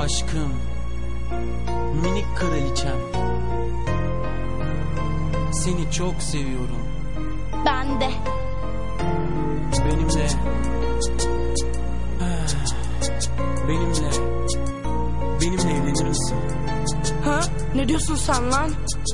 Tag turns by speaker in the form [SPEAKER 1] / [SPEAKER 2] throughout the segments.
[SPEAKER 1] Aşkım, minik kraliçem, seni çok seviyorum.
[SPEAKER 2] Ben de.
[SPEAKER 1] Benimle evlenir misin?
[SPEAKER 2] Ha? Ne diyorsun sen lan?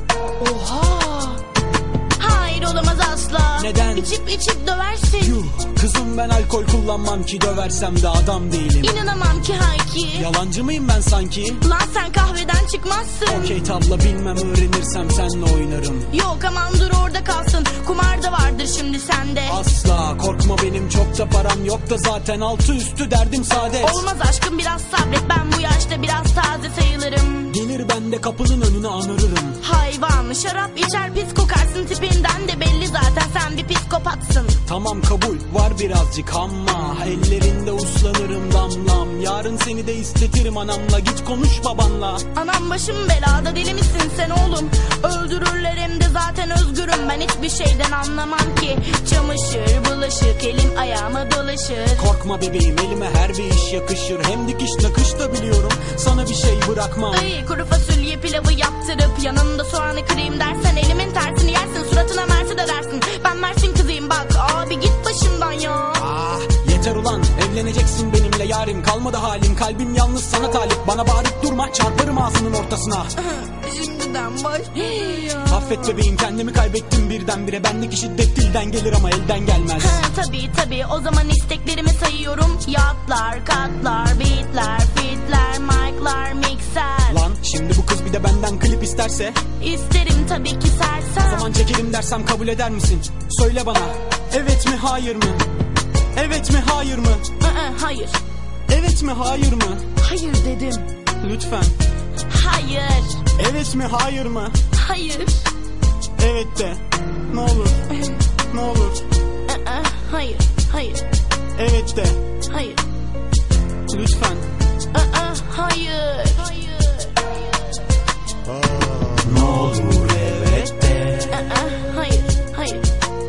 [SPEAKER 2] Oha! Hayır, olamaz asla.
[SPEAKER 1] Neden?
[SPEAKER 2] İçip döversin.
[SPEAKER 1] Yuh, kızım ben alkol kullanmam ki, döversem de adam değilim.
[SPEAKER 2] İnanamam ki Hayki.
[SPEAKER 1] Yalancı mıyım ben sanki?
[SPEAKER 2] Lan sen kahveden çıkmazsın.
[SPEAKER 1] Okey tabla bilmem, öğrenirsem seninle oynarım.
[SPEAKER 2] Yok aman dur orada kalsın. Kumar da vardır şimdi sende.
[SPEAKER 1] Asla korkma, benim çok da param yok da zaten altı üstü derdim saadet.
[SPEAKER 2] Olmaz aşkım, biraz sabret, ben bu yaşta biraz taze sayılırım.
[SPEAKER 1] Gelir ben de kapının önüne anırırım.
[SPEAKER 2] Hayvan, şarap içer pis kokarsın, tipinden de belli zaten sen bir psikopatsın.
[SPEAKER 1] Tamam kabul var birazcık ama ellerinde uslanırım damlam. Yarın seni de istetirim anamla, git konuş babanla.
[SPEAKER 2] Anam başım belada, deli misin sen oğlum? Öldürürler hem de zaten özgürüm, ben hiçbir şeyden anlamam ki. Çamaşır bulaşık elim ayağıma dolaşır.
[SPEAKER 1] Korkma bebeğim, elime her bir iş yakışır. Hem dikiş nakış da biliyorum, sana bir şey bırakmam.
[SPEAKER 2] Ay, kuru fasulye pilavı yaptırıp yanında soğanı kırayım dersen elimin tersini yersin, suratına mersi de dersin. Ben Mersin kızıyım bak abi, git başımdan ya.
[SPEAKER 1] Ah yeter ulan, evleneceksin benimle yarim. Kalmadı halim, kalbim yalnız sana talip. Bana bağırıp durma, çarparım ağzının ortasına.
[SPEAKER 2] Şimdiden başlıyor ya.
[SPEAKER 1] Affet bebeğim, kendimi kaybettim birdenbire. Bendeki şiddet dilden gelir ama elden gelmez.
[SPEAKER 2] Tabii o zaman isteklerimi sayıyorum. Yatlar, katlar, beatler, fitler, mic'lar, mikser.
[SPEAKER 1] Lan şimdi bu kız bir de benden klip isterse?
[SPEAKER 2] İsterim tabii ki sersem.
[SPEAKER 1] O zaman çekelim dersem kabul eder misin? Söyle bana, evet mi hayır mı? Evet mi hayır mı?
[SPEAKER 2] Hayır.
[SPEAKER 1] Evet mi hayır mı?
[SPEAKER 2] Hayır dedim.
[SPEAKER 1] Lütfen.
[SPEAKER 2] Hayır.
[SPEAKER 1] Evet mi hayır mı?
[SPEAKER 2] Hayır.
[SPEAKER 1] Evet de. Ne olur. Ne olur.
[SPEAKER 2] Hayır. Hayır.
[SPEAKER 1] Evet de.
[SPEAKER 2] Hayır.
[SPEAKER 1] Lütfen.
[SPEAKER 2] Hayır.
[SPEAKER 1] Ne olur evet de.
[SPEAKER 2] Hayır. Hayır.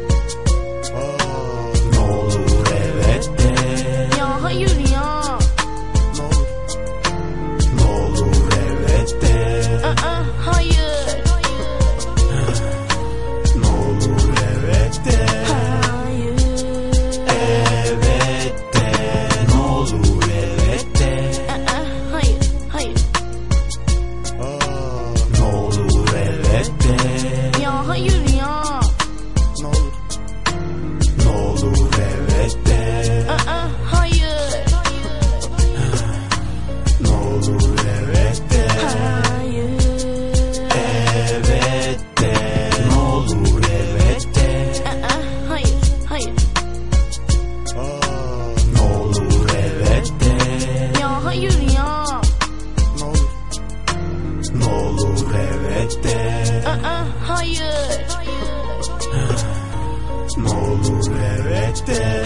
[SPEAKER 1] Ne olur evet de.
[SPEAKER 2] Ya hayır ya.
[SPEAKER 1] Ne olur. Ne olur evet de.
[SPEAKER 2] Hayır.
[SPEAKER 1] Ne olur evet de.
[SPEAKER 2] Hayır.
[SPEAKER 1] Evet de. Ne olur evet de.
[SPEAKER 2] Hayır. Hayır.
[SPEAKER 1] Ne olur evet de.
[SPEAKER 2] Ya hayır ya.
[SPEAKER 1] Ne olur. Ne olur evet de.
[SPEAKER 2] Hayır.
[SPEAKER 1] Ne olur evet de.
[SPEAKER 2] Hayır.
[SPEAKER 1] Evet de. Ne olur evet de.
[SPEAKER 2] Hayır. Hayır.
[SPEAKER 1] Ne olur evet de.
[SPEAKER 2] Ya hayır ya.
[SPEAKER 1] Ne olur. Ne olur evet de.
[SPEAKER 2] Hayır.
[SPEAKER 1] Ne olur evet de.